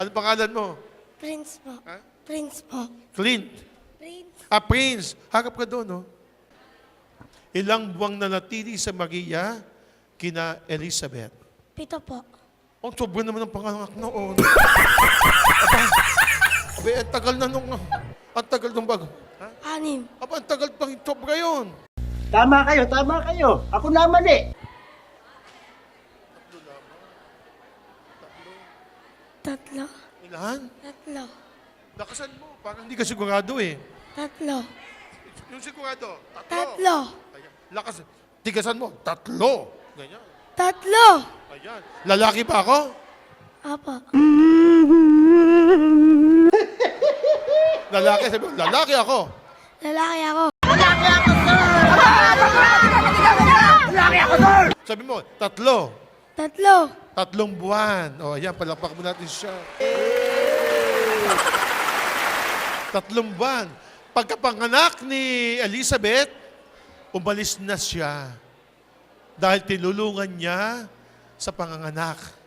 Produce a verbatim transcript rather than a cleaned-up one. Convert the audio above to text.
Ano pangalan mo? Prince po. Ha? Prince po. Clint. Prince. Ah, Prince. Harap ka doon, no? Ilang buwang nanatili sa Maria kina Elizabeth? Pito po. Ang sobra naman ang panganak noon. Aba, aba, ang tagal na nung, ang tagal nung bago. Ha? Anim. Aba, ang tagal pang sobra yun. Tama kayo, tama kayo. Ako na mali. Tatlo. Ilan? Tatlo. Lakasan mo, parang hindi ka sigurado eh. Tatlo. Yung sigurado, tatlo. Tatlo. Ayan. Lakas, tigasan mo, tatlo. Ganyan. Tatlo. Ayan. Lalaki pa ako? Apo. Lalaki, sabi mo, lalaki ako. Lalaki ako. Sabi mo, tatlo. Tatlo. Tatlong buwan. O, ayan, palakpak mo natin siya. Tatlong buwan. Pagkapanganak ni Elizabeth, umalis na siya. Dahil tinulungan niya sa panganganak.